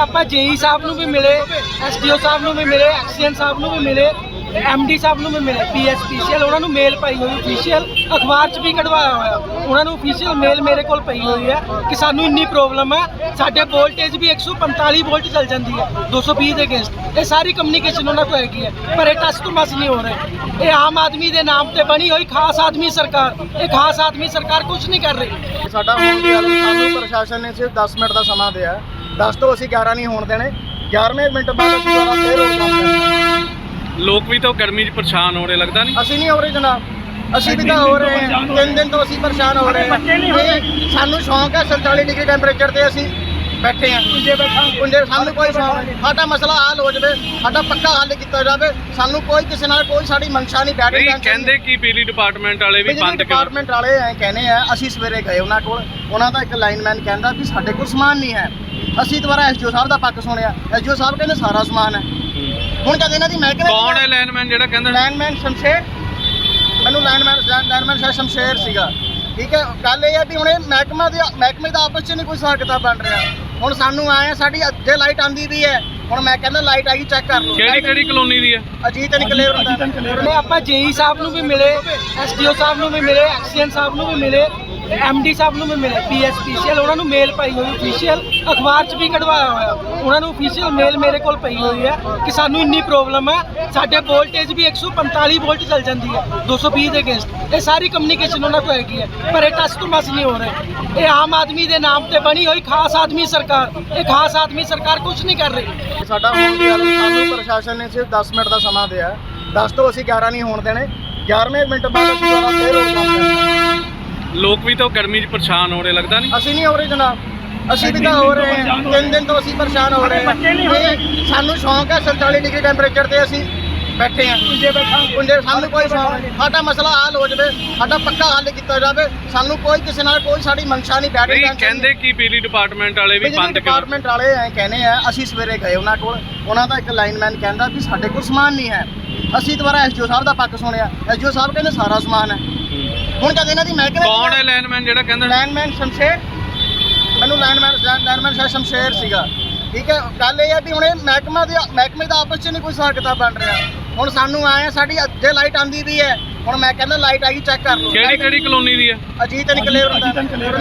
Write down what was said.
ਆਪਾਂ ਜੇਈ ਸਾਹਿਬ ਨੂੰ ਵੀ ਮਿਲੇ, ਐਸਡੀਓ ਸਾਹਿਬ ਨੂੰ ਵੀ ਮਿਲੇ, ਐਕਸੀਐਨ ਸਾਹਿਬ ਨੂੰ ਵੀ ਮਿਲੇ, ਐਮਡੀ ਸਾਹਿਬ ਨੂੰ ਵੀ ਮਿਲੇ, ਪੀਐਸਪੀਸੀਐਲ ਉਹਨਾਂ ਨੂੰ ਮੇਲ ਪਾਈ ਹੋਈ ਅਫੀਸ਼ੀਅਲ, ਅਖਬਾਰ 'ਚ ਵੀ ਕਢਵਾਇਆ ਹੋਇਆ ਉਹਨਾਂ ਨੂੰ ਅਫੀਸ਼ੀਅਲ ਮੇਲ ਮੇਰੇ ਕੋਲ ਪਈ ਹੋਈ ਹੈ ਕਿ ਸਾਨੂੰ ਇੰਨੀ ਪ੍ਰੋਬਲਮ ਹੈ। ਸਾਡੇ ਵੋਲਟੇਜ ਵੀ 145 ਵੋਲਟ ਚੱਲ ਜਾਂਦੀ ਹੈ 220 ਦੇ ਅਗੇਂਸਟ। ਇਹ ਸਾਰੀ ਕਮਿਊਨੀਕੇਸ਼ਨ ਉਹਨਾਂ ਕੋਲ ਹੈਗੀ ਹੈ, ਪਰ ਇਹ ਟਸ ਤੋਂ ਮਸ ਨਹੀਂ ਹੋ ਰਹੇ। ਇਹ ਆਮ ਆਦਮੀ ਦੇ ਨਾਮ ਤੇ ਬਣੀ ਹੋਈ ਖਾਸ ਆਦਮੀ ਸਰਕਾਰ, ਇਹ ਖਾਸ ਆਦਮੀ ਸਰਕਾਰ ਕੁਝ ਨਹੀਂ ਕਰ ਰਹੀ। ਸਾਡਾ ਹੋਣ ਦੀ ਗੱਲ ਸਾਨੂੰ ਪ੍ਰਸ਼ਾਸਨ ਨੇ ਸਿਰਫ 10 ਮਿੰਟ ਦਾ ਸਮਾਂ ਦਿਆ। 10 ਤੋਂ ਅਸੀਂ 11 ਨਹੀਂ ਹੋਣ ਦੇਣੇ। 11ਵੇਂ ਮਿੰਟ ਬਾਅਦ ਅਸੀਂ ਦੁਬਾਰਾ ਫੇਰ ਹੋ ਜਾਵਾਂਗੇ। ਲੋਕ ਵੀ ਤਾਂ ਗਰਮੀ 'ਚ ਪਰੇਸ਼ਾਨ ਹੋ ਰਹੇ, ਲੱਗਦਾ ਨਹੀਂ? ਅਸੀਂ ਨਹੀਂ ਹੋ ਰਹੇ ਜਨਾਬ, ਅਸੀਂ ਵੀ ਤਾਂ ਹੋ ਰਹੇ ਹਾਂ। 3 ਦਿਨ ਤੋਂ ਅਸੀਂ ਪਰੇਸ਼ਾਨ ਹੋ ਰਹੇ ਹਾਂ। ਸਾਨੂੰ ਸ਼ੌਂਕ ਹੈ 47 ਡਿਗਰੀ ਟੈਂਪਰੇਚਰ ਤੇ ਅਸੀਂ ਬੈਠੇ ਹਾਂ। ਪੁੰਜੇ ਸਾਨੂੰ ਕੋਈ ਸ਼ੌਂਕ ਨਹੀਂ। ਸਾਡਾ ਮਸਲਾ ਹੱਲ ਹੋ ਜਾਵੇ, ਸਾਡਾ ਪੱਕਾ ਹੱਲ ਕੀਤਾ ਜਾਵੇ। ਸਾਨੂੰ ਕੋਈ ਕਿਸੇ ਨਾਲ ਕੋਈ ਸਾਡੀ ਮਨਸ਼ਾ ਨਹੀਂ ਬੈਠ ਨਹੀਂ ਕਹਿੰਦੇ ਕਿ ਬਿਜਲੀ ਡਿਪਾਰਟਮੈਂਟ ਵਾਲੇ ਵੀ ਬੰਦ ਡਿਪਾਰਟਮੈਂਟ ਵਾਲੇ ਐ ਕਹਿੰਦੇ ਆ। ਅਸੀਂ ਸਵੇਰੇ ਗਏ ਉਹਨਾਂ ਕੋਲ, ਉਹਨਾਂ ਦਾ ਇੱਕ ਲਾਈਨਮੈਨ ਕਹਿੰਦਾ ਵੀ ਸਾਡੇ ਕੋਲ ਸਮਾਨ ਨਹੀਂ ਹੈ। ਅਸੀਂ ਦੁਬਾਰਾ ਐਸਡੀਓ ਸਾਹਿਬ ਦਾ ਪੱਖ ਸੁਣਿਆ, ਐਸਡੀਓ ਸਾਹਿਬ ਕਹਿੰਦੇ ਸਾਰਾ ਸਮਾਨ ਹੈ। ਹੁਣ ਜਦ ਇਹਨਾਂ ਦੀ ਮਹਿਕਮੇ ਕੌਣ ਹੈ ਲਾਈਨਮੈਨ ਜਿਹੜਾ ਕਹਿੰਦਾ? ਲਾਈਨਮੈਨ ਸ਼ਮਸ਼ੇਰ, ਮੈਨੂੰ ਲਾਈਨਮੈਨ ਸ਼ਾਇਦ ਸ਼ਮਸ਼ੇਰ ਸੀਗਾ। ਠੀਕ ਹੈ, ਗੱਲ ਇਹ ਹੈ ਵੀ ਹੁਣ ਇਹ ਮਹਿਕਮੇ ਦਾ ਆਪਸ 'ਚ ਨਹੀਂ ਕੋਈ ਹਿਸਾਬ ਕਿਤਾਬ ਬਣ ਰਿਹਾ। ਹੁਣ ਸਾਨੂੰ ਆਏ ਆ, ਸਾਡੀ ਅੱਗੇ ਲਾਈਟ ਆਂਦੀ ਵੀ ਹੈ। ਹੁਣ ਮੈਂ ਕਹਿੰਦਾ ਲਾਈਟ ਆਈ ਚੈੱਕ ਕਰ ਲਓ। ਕਿਹੜੀ ਕਲੋਨੀ ਦੀ ਹੈ? ਅਜੀਤ ਨਿਕਲੇਵਰ ਹੁੰਦਾ। ਨੇ ਆਪਾਂ ਜੇਈ ਸਾਹਿਬ ਨੂੰ ਵੀ ਮਿਲੇ, ਐਸਡੀਓ ਸਾਹਿਬ ਨੂੰ ਵੀ ਮਿਲੇ, ਐਕਸੀਐਨ ਸਾਹਿਬ ਨੂੰ ਵੀ ਮਿਲੇ, ਐਮਡੀ ਸਾਹਿਬ ਨੂੰ ਵੀ ਮਿਲੇ, ਪੀਐਸਪੀਸੀਐਲ ਉਹਨਾਂ ਨੂੰ ਮੇਲ ਪਾਈ ਹੋਈ ਅਫੀਸ਼ੀਅਲ, ਅਖਬਾਰ 'ਚ ਵੀ ਕਢਵਾਇਆ ਹੋਇਆ ਉਹਨਾਂ ਨੂੰ ਅਫੀਸ਼ੀਅਲ ਮੇਲ ਮੇਰੇ ਕੋਲ ਪਈ ਹੋਈ ਹੈ ਕਿ ਸਾਨੂੰ ਇੰਨੀ ਪ੍ਰੋਬਲਮ ਹੈ। ਸਾਡੇ ਵੋਲਟੇਜ ਵੀ 145 ਵੋਲਟ ਚੱਲ ਜਾਂਦੀ ਹੈ 220 ਦੇ ਅਗੇਂਸਟ। ਇਹ ਸਾਰੀ ਕਮਿਊਨੀਕੇਸ਼ਨ ਉਹਨਾਂ ਕੋਲ ਹੈਗੀ ਹੈ, ਪਰ ਇਹ ਟਸ ਤੋਂ ਮਸ ਨਹੀਂ ਹੋ ਰਹੇ। ਇਹ ਆਮ ਆਦਮੀ ਦੇ ਨਾਮ ਤੇ ਬਣੀ ਹੋਈ ਖਾਸ ਆਦਮੀ ਸਰਕਾਰ, ਇਹ ਖਾਸ ਆਦਮੀ ਸਰਕਾਰ ਕੁਝ ਨਹੀਂ ਕਰ ਰਹੀ। ਸਾਡਾ ਹੋਣ ਦੀ ਗੱਲ ਸਾਨੂੰ ਪ੍ਰਸ਼ਾਸਨ ਨੇ ਸਿਰਫ 10 ਮਿੰਟ ਦਾ ਸਮਾਂ ਦਿਆ। 10 ਤੋਂ ਅਸੀਂ 11 ਨਹੀਂ ਹੋਣ ਦੇਣੇ। 11ਵੇਂ ਮਿੰਟ ਬਾਅਦ ਅਸੀਂ ਦੁਬਾਰਾ ਫੇਰ ਹੋ ਜਾਵਾਂਗੇ। ਲੋਕ ਵੀ ਤਾਂ ਗਰਮੀ 'ਚ ਪਰੇਸ਼ਾਨ ਹੋ ਰਹੇ, ਲੱਗਦਾ ਨਹੀਂ? ਅਸੀਂ ਨਹੀਂ ਹੋ ਰਹੇ ਜਨਾਬ, ਅਸੀਂ ਵੀ ਤਾਂ ਹੋ ਰਹੇ ਹਾਂ। 3 ਦਿਨ ਤੋਂ ਅਸੀਂ ਪਰੇਸ਼ਾਨ ਹੋ ਰਹੇ ਹਾਂ। ਸਾਨੂੰ ਸ਼ੌਂਕ ਹੈ 47 ਡਿਗਰੀ ਟੈਂਪਰੇਚਰ ਤੇ ਅਸੀਂ ਬੈਠੇ ਹਾਂ। ਪੁੰਜੇ ਸਾਨੂੰ ਕੋਈ ਸ਼ੌਂਕ ਨਹੀਂ। ਸਾਡਾ ਮਸਲਾ ਹੱਲ ਹੋ ਜਾਵੇ, ਸਾਡਾ ਪੱਕਾ ਹੱਲ ਕੀਤਾ ਜਾਵੇ। ਸਾਨੂੰ ਕੋਈ ਕਿਸੇ ਨਾਲ ਕੋਈ ਸਾਡੀ ਮਨਸ਼ਾ ਨਹੀਂ ਬੈਠ ਰਹੀ। ਕਹਿੰਦੇ ਕਿ ਬਿਜਲੀ ਡਿਪਾਰਟਮੈਂਟ ਵਾਲੇ ਵੀ ਬੰਦ ਡਿਪਾਰਟਮੈਂਟ ਵਾਲੇ ਐ ਕਹਿੰਦੇ ਆ। ਅਸੀਂ ਸਵੇਰੇ ਗਏ ਉਹਨਾਂ ਕੋਲ, ਉਹਨਾਂ ਦਾ ਇੱਕ ਲਾਈਨਮੈਨ ਕਹਿੰਦਾ ਵੀ ਸਾਡੇ ਕੋਲ ਸਮਾਨ ਨਹੀਂ ਹੈ। ਅਸੀਂ ਦੁਬਾਰਾ ਐਸਡੀਓ ਸਾਹਿਬ ਦਾ ਪੱਖ ਸੁਣਿਆ, ਐਸਡੀਓ ਸਾਹਿਬ ਕਹਿੰਦੇ ਸਾਰਾ ਸਮਾਨ ਹੈ। ਹੁਣ ਜਦ ਇਹਨਾਂ ਦੀ ਮਹਿਕਮੇ ਕੌਣ ਹੈ ਲਾਈਨਮੈਨ ਜਿਹੜਾ ਕਹਿੰਦਾ? ਲਾਈਨਮੈਨ ਸ਼ਮਸ਼ੇਰ, ਮੈਨੂੰ ਲਾਈਨਮੈਨ ਸ਼ਾਇਦ ਸ਼ਮਸ਼ੇਰ ਸੀਗਾ। ਠੀਕ ਹੈ, ਗੱਲ ਇਹ ਹੈ ਵੀ ਹੁਣ ਇਹ ਮਹਿਕਮੇ ਦਾ ਆਪਸ 'ਚ ਨਹੀਂ ਕੋਈ ਹਿਸਾਬ ਕਿਤਾਬ ਬਣ ਰਿਹਾ। ਹੁਣ ਸਾਨੂੰ ਆਏ ਆ, ਸਾਡੀ ਅੱਗੇ ਲਾਈਟ ਆਂਦੀ ਵੀ ਹੈ। ਹੁਣ ਮੈਂ ਕਹਿੰਦਾ ਲਾਈਟ ਆਈ ਚੈੱਕ ਕਰ ਲਓ। ਕਿਹੜੀ ਕਲੋਨੀ ਦੀ ਹੈ? ਅਜੀਤ ਨਿਕਲੇਵਰ ਹੁੰਦਾ।